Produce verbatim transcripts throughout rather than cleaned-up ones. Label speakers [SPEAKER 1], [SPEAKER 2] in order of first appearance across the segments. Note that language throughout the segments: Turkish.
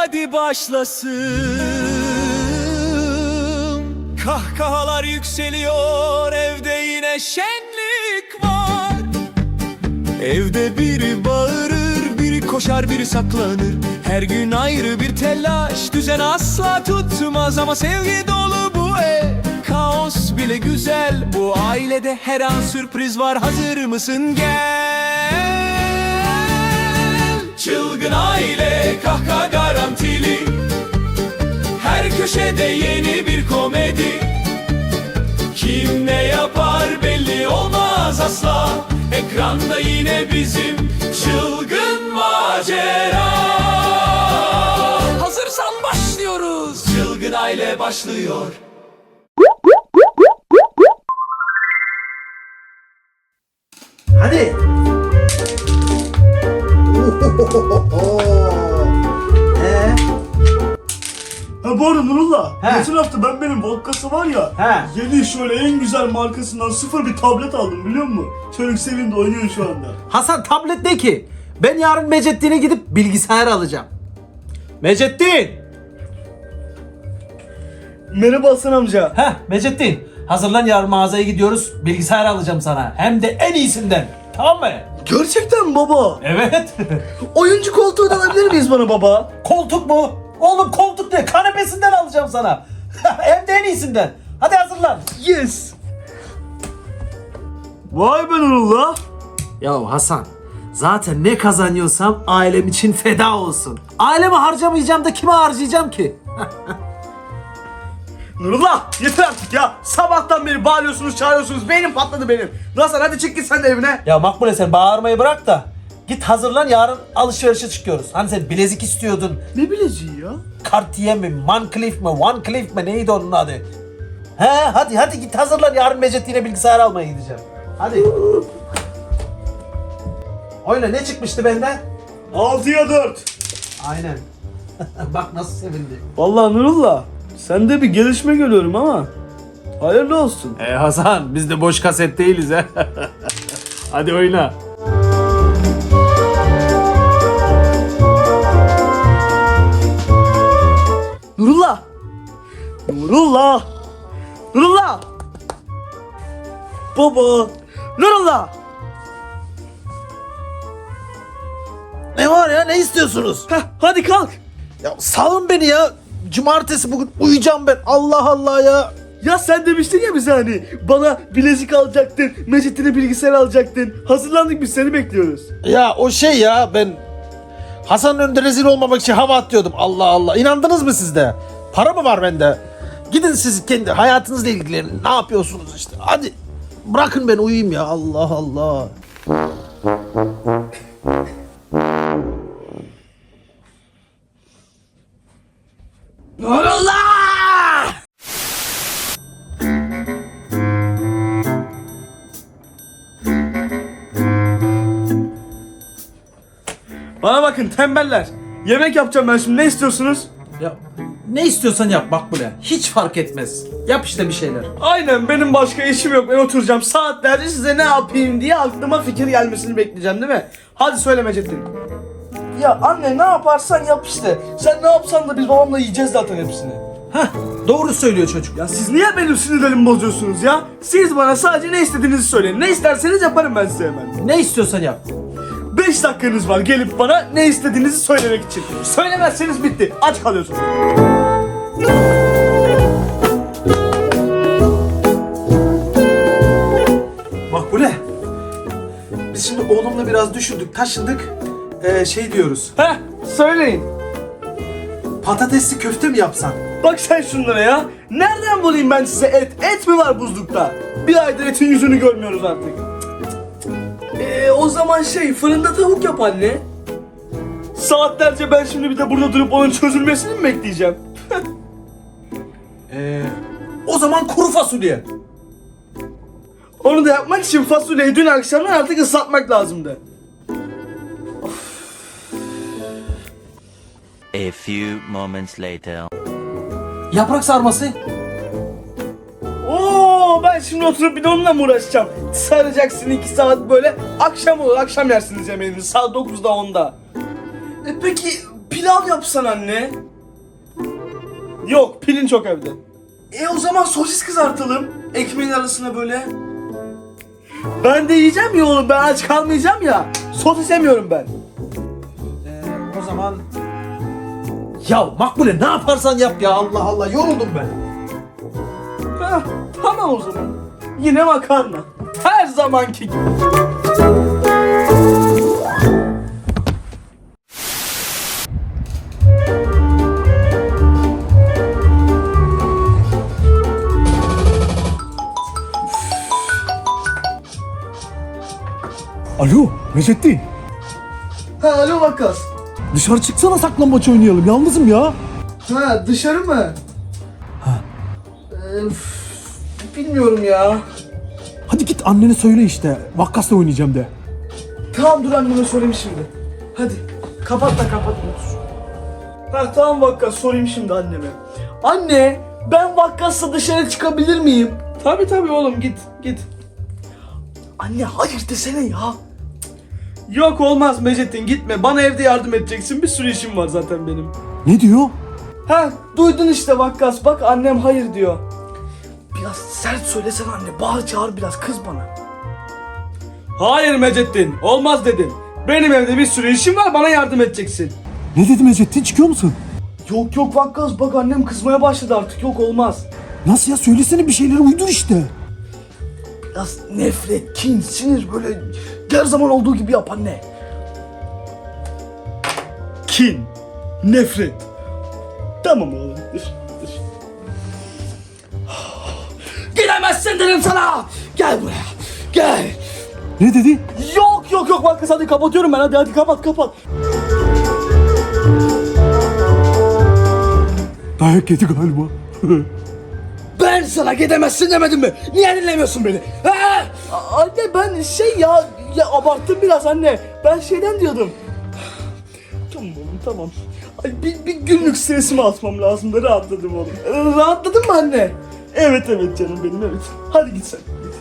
[SPEAKER 1] hadi başlasın. Kahkahalar yükseliyor, evde yine şenlik var. Evde biri bağırır, biri koşar, biri saklanır. Her gün ayrı bir telaş, düzen asla tutmaz. Ama sevgi dolu bu ev, kaos bile güzel. Bu ailede her an sürpriz var, hazır mısın? Gel. Çılgın aile, kahkaha garantili. Her köşede yeni bir komedi. Kim ne yapar belli olmaz asla. Ekranda yine bizim çılgın macera. Hazırsan başlıyoruz. Çılgın aile başlıyor.
[SPEAKER 2] Hadi. Ee?
[SPEAKER 3] Ha bu arada Nurullah,
[SPEAKER 2] He.
[SPEAKER 3] geçen hafta ben benim vodkası var ya,
[SPEAKER 2] He.
[SPEAKER 3] yeni şöyle en güzel markasından sıfır bir tablet aldım biliyor musun? Çocuk sevindi, oynuyor şu anda.
[SPEAKER 2] Hasan tablet ne ki? Ben yarın Mecettin'e gidip bilgisayar alacağım. Mecettin!
[SPEAKER 3] Merhaba Hasan amca.
[SPEAKER 2] Heh Mecettin. Hazırlan, yarın mağazaya gidiyoruz. Bilgisayar alacağım sana. Hem de en iyisinden. Tamam mı?
[SPEAKER 3] Gerçekten mi baba?
[SPEAKER 2] Evet.
[SPEAKER 3] Oyuncu koltuğu da alabilir miyiz bana baba?
[SPEAKER 2] Koltuk mu? Oğlum koltuk ne? Kanepesinden alacağım sana. Hem de en iyisinden. Hadi hazırlan.
[SPEAKER 3] Yes. Vay be Nurullah.
[SPEAKER 2] Ya Hasan, zaten ne kazanıyorsam ailem için feda olsun. Ailemi harcamayacağım da kime harcayacağım ki?
[SPEAKER 3] Nurullah yeter artık ya. Sabahtan beri bağırıyorsunuz, çağırıyorsunuz. Beynim patladı benim. Hasan hadi çık git sen de evine.
[SPEAKER 2] Ya Makbule, sen bağırmayı bırak da git hazırlan, yarın alışverişe çıkıyoruz. Hani sen bilezik istiyordun.
[SPEAKER 3] Ne bileceği ya?
[SPEAKER 2] Cartier mi, Moncler mi, One Cliff mi, neydi onun adı? He hadi hadi git hazırlan, yarın Mecettin'e bilgisayar almaya gideceğim. Hadi. Oyna, ne çıkmıştı benden?
[SPEAKER 3] altıya dört.
[SPEAKER 2] Aynen. Bak nasıl sevindi.
[SPEAKER 3] Vallahi Nurullah, sende bir gelişme görüyorum ama hayırlı olsun.
[SPEAKER 2] E Hasan, biz de boş kaset değiliz ha. Hadi oyna.
[SPEAKER 3] Nurullah! Nurullah! Nurullah! Baba! Nurullah!
[SPEAKER 2] Ne var ya, ne istiyorsunuz?
[SPEAKER 3] Heh, hadi kalk!
[SPEAKER 2] Ya salın beni ya. Cumartesi bugün uyuyacağım ben. Allah Allah ya.
[SPEAKER 3] Ya sen demiştin ya bize hani bana bilezik alacaktın, Mecit'ine bilgisayar alacaktın. Hazırlandık, biz seni bekliyoruz.
[SPEAKER 2] Ya o şey ya, ben Hasan'ın önünde rezil olmamak için hava atıyordum. Allah Allah. İnandınız mı siz de? Para mı var bende? Gidin siz kendi hayatınızla ilgilenin. Ne yapıyorsunuz işte? Hadi bırakın beni uyuyayım ya. Allah Allah. Nurullah!
[SPEAKER 3] Bana bakın tembeller. Yemek yapacağım ben şimdi, ne istiyorsunuz?
[SPEAKER 2] Ya ne istiyorsan yap Makbule. Hiç fark etmez. Yap işte bir şeyler.
[SPEAKER 3] Aynen, benim başka işim yok, ben oturacağım saatlerce size ne yapayım diye aklıma fikir gelmesini bekleyeceğim değil mi? Hadi söyle Mecettin. Ya anne, ne yaparsan yap işte. Sen ne yapsan da biz babamla yiyeceğiz zaten hepsini.
[SPEAKER 2] Heh, doğru söylüyor çocuk.
[SPEAKER 3] Ya siz niye benim sinirlerimi bozuyorsunuz ya? Siz bana sadece ne istediğinizi söyleyin. Ne isterseniz yaparım ben size hemen.
[SPEAKER 2] Ne istiyorsan yap.
[SPEAKER 3] beş dakikanız var gelip bana ne istediğinizi söylemek için. Söylemezseniz bitti. Aç kalıyorsunuz.
[SPEAKER 2] Makbule. Biz şimdi oğlumla biraz düşündük, taşındık. Ee, şey diyoruz.
[SPEAKER 3] Heh, söyleyin.
[SPEAKER 2] Patatesli köfte mi yapsan?
[SPEAKER 3] Bak sen şunlara ya. Nereden bulayım ben size et? Et mi var buzlukta? Bir aydır etin yüzünü görmüyoruz artık. Eee o zaman şey, fırında tavuk yap anne. Saatlerce ben şimdi bir de burada durup onun çözülmesini mi bekleyeceğim?
[SPEAKER 2] Ee, o zaman kuru fasulye.
[SPEAKER 3] Onu da yapmak için fasulyeyi dün akşamdan artık ıslatmak lazımdı.
[SPEAKER 4] A few moments later.
[SPEAKER 2] Yaprak sarması.
[SPEAKER 3] Oo, ben şimdi oturup bir de onunla mı uğraşacağım? Saracaksın iki saat böyle, akşam olur, akşam yersiniz yemeğinizi saat dokuzda onda. E peki pilav yapsan anne. Yok, pilin çok evde. E o zaman sosis kızartalım. Ekmeğin arasına böyle. Ben de yiyeceğim ya oğlum, ben aç kalmayacağım ya. Sosis yemiyorum ben.
[SPEAKER 2] Ee, o zaman... Ya Makbule ne yaparsan yap ya, Allah Allah, yoruldum ben.
[SPEAKER 3] Heh, tamam o zaman. Yine makarna. Her zamanki gibi.
[SPEAKER 5] Alo Mecettin,
[SPEAKER 3] Ha alo Vakkas.
[SPEAKER 5] dışarı çıksana, saklambaç oynayalım, yalnızım ya.
[SPEAKER 3] Ha dışarı mı? Ha. Bilmiyorum ya.
[SPEAKER 5] Hadi git annene söyle işte, Vakkas'la oynayacağım de.
[SPEAKER 3] Tamam dur anneme sorayım şimdi. Hadi kapat da kapat otur. Ha tamam Vakkas, sorayım şimdi anneme. Anne ben Vakkas'la dışarı çıkabilir miyim? Tabi tabi oğlum, git git. Anne hayır desene ya. Yok olmaz Mecettin, gitme, bana evde yardım edeceksin, bir sürü işim var zaten benim.
[SPEAKER 5] Ne diyor?
[SPEAKER 3] Ha duydun işte Vakkas, bak annem hayır diyor. Biraz sert söylesene anne, bağır çağır biraz, kız bana. Hayır Mecettin, olmaz dedim. Benim evde bir sürü işim var, bana yardım edeceksin.
[SPEAKER 5] Ne dedi Mecettin, çıkıyor musun?
[SPEAKER 3] Yok yok Vakkas, bak annem kızmaya başladı artık, yok olmaz.
[SPEAKER 5] Nasıl ya, söylesene bir şeyleri, uydur işte.
[SPEAKER 3] Biraz nefret, kin, sinir böyle her zaman olduğu gibi yap anne. Kin, nefret. Tamam oğlum, dur, dur. Gidemezsin dedim sana. Gel buraya, gel.
[SPEAKER 5] Ne dedi?
[SPEAKER 3] Yok yok yok Vakkas, hadi kapatıyorum ben, hadi hadi kapat kapat.
[SPEAKER 5] Dayak yedi galiba.
[SPEAKER 3] Ben sana gidemezsin demedim mi? Niye dinlemiyorsun beni? Ha? A- Anne ben şey ya, ya abarttım biraz anne. Ben şeyden diyordum. Tamam oğlum tamam. Ay, bir, bir günlük stresimi atmam lazım da rahatladım oğlum. Ee, Rahatladın mı anne? Evet evet canım benim, evet. Hadi git sen.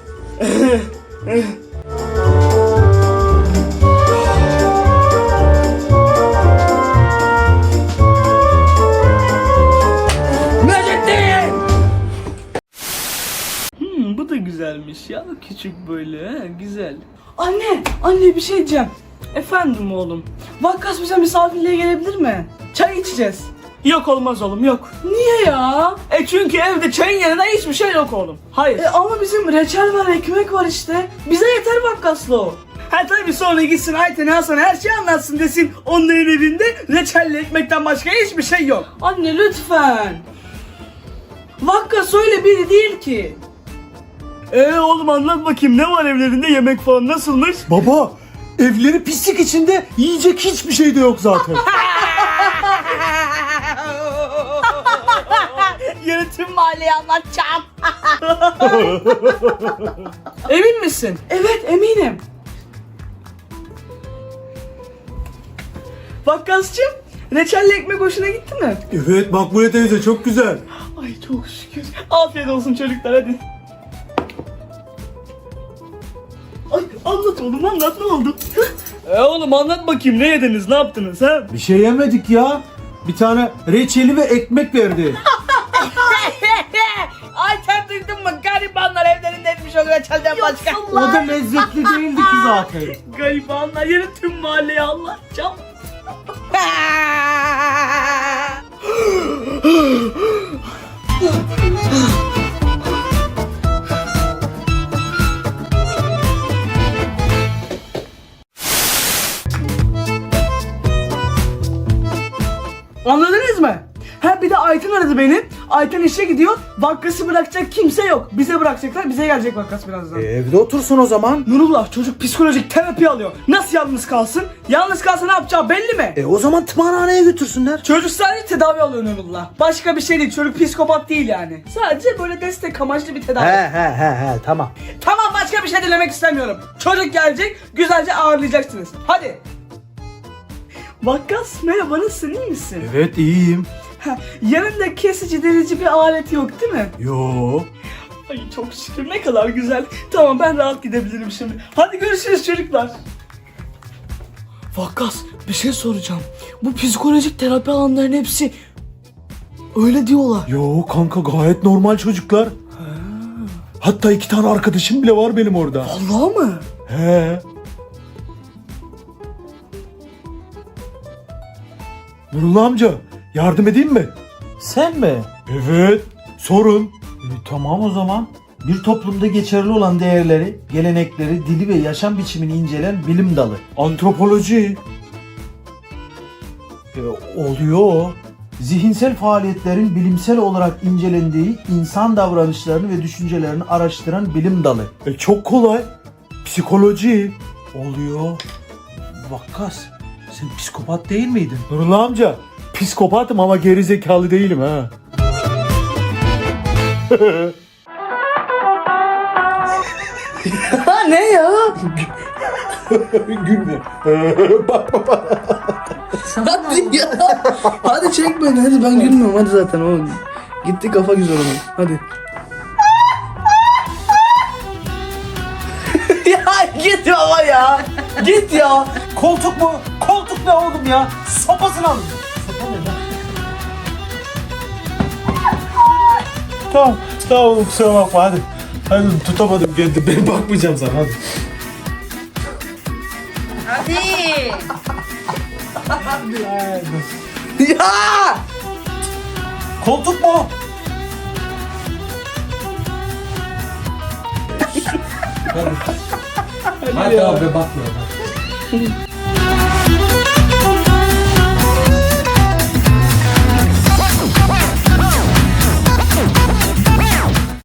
[SPEAKER 3] Hmm, bu da güzelmiş ya, küçük böyle, he, güzel. Anne, anne bir şey diyeceğim. Efendim oğlum. Vakkas bize misafirliğe gelebilir mi? Çay içeceğiz. Yok olmaz oğlum, yok. Niye ya? E çünkü evde çayın yanında hiçbir şey yok oğlum. Hayır. E ama bizim reçel var, ekmek var işte. Bize yeter Vakkas'la o. Ha tabii, sonra gitsin Ayten Hasan her şeyi anlatsın desin. Onların evinde reçelle ekmekten başka hiçbir şey yok. Anne lütfen. Vakkas öyle biri değil ki. Eee oğlum anlat bakayım, ne var evlerinde, yemek falan nasılmış?
[SPEAKER 5] Baba, evleri pislik içinde, yiyecek hiçbir şey de yok zaten.
[SPEAKER 3] Yarın tüm mahalleye anlatacağım. Emin misin? Evet eminim. Vakkascığım, reçelli ekmek hoşuna gitti mi?
[SPEAKER 5] Evet Makbule teyze, çok güzel.
[SPEAKER 3] Ay çok şükür. Afiyet olsun çocuklar, hadi. Ay anlat oğlum, anlat, ne oldu? e oğlum anlat bakayım, ne yediniz, ne yaptınız ha?
[SPEAKER 5] Bir şey yemedik ya. Bir tane reçeli ve ekmek verdi.
[SPEAKER 3] Ayten duydun mu? Garibanlar evlerinde etmiş o reçelden başka.
[SPEAKER 5] O da lezzetli değildi ki zaten.
[SPEAKER 3] Garibanlar, yarın tüm mahalleye anlatacağım. Anladınız mı? Ha bir de Ayten aradı beni. Ayten işe gidiyor. Vakkası bırakacak kimse yok. Bize bırakacaklar. Bize gelecek Vakkas birazdan.
[SPEAKER 5] E, evde otursun o zaman.
[SPEAKER 3] Nurullah, çocuk psikolojik terapi alıyor. Nasıl yalnız kalsın? Yalnız kalsa ne yapacağı belli mi?
[SPEAKER 5] E o zaman tımarhaneye götürsünler.
[SPEAKER 3] Çocuk sadece tedavi alıyor Nurullah. Başka bir şey değil. Çocuk psikopat değil yani. Sadece böyle destek amaçlı bir tedavi.
[SPEAKER 5] He he he he tamam.
[SPEAKER 3] Tamam, başka bir şey dilemek istemiyorum. Çocuk gelecek, güzelce ağırlayacaksınız. Hadi. Vakkas merhaba, nasılsın, iyi misin?
[SPEAKER 5] Evet iyiyim.
[SPEAKER 3] Ha, yanında kesici delici bir alet yok değil mi?
[SPEAKER 5] Yo.
[SPEAKER 3] Ay çok şükür, ne kadar güzel. Tamam ben rahat gidebilirim şimdi. Hadi görüşürüz çocuklar. Vakkas bir şey soracağım. Bu psikolojik terapi alanların hepsi öyle diyorlar.
[SPEAKER 5] Yo kanka gayet normal çocuklar. Hatta iki tane arkadaşım bile var benim orada.
[SPEAKER 3] Vallahi mı?
[SPEAKER 5] He. Nurullah amca yardım edeyim mi?
[SPEAKER 2] Sen mi?
[SPEAKER 5] Evet. Sorun.
[SPEAKER 2] E, tamam o zaman. Bir toplumda geçerli olan değerleri, gelenekleri, dili ve yaşam biçimini incelen bilim dalı.
[SPEAKER 5] Antropoloji.
[SPEAKER 2] E, oluyor o. Zihinsel faaliyetlerin bilimsel olarak incelendiği insan davranışlarını ve düşüncelerini araştıran bilim dalı.
[SPEAKER 5] E, çok kolay. Psikoloji.
[SPEAKER 2] Oluyor. Vakkas, sen psikopat değil miydin?
[SPEAKER 5] Nurullah amca psikopatım ama geri zekalı değilim ha.
[SPEAKER 3] Ha ne ya?
[SPEAKER 5] Gülme. Bak bak.
[SPEAKER 3] Hadi ya. Hadi çek beni hadi ben gülmüyorum hadi zaten o gitti kafa güzel onun. Hadi. Ya git baba ya. Git ya.
[SPEAKER 2] Koltuk mu? Koltuk ne oğlum ya? Sopasını alın.
[SPEAKER 5] Tamam. Tamam oğlum kusura bakma hadi. Hadi tutamadım kendimi. Ben bakmayacağım sana hadi.
[SPEAKER 6] Hadi.
[SPEAKER 3] Ya.
[SPEAKER 2] Koltuk mu?
[SPEAKER 5] Hadi abi bakma.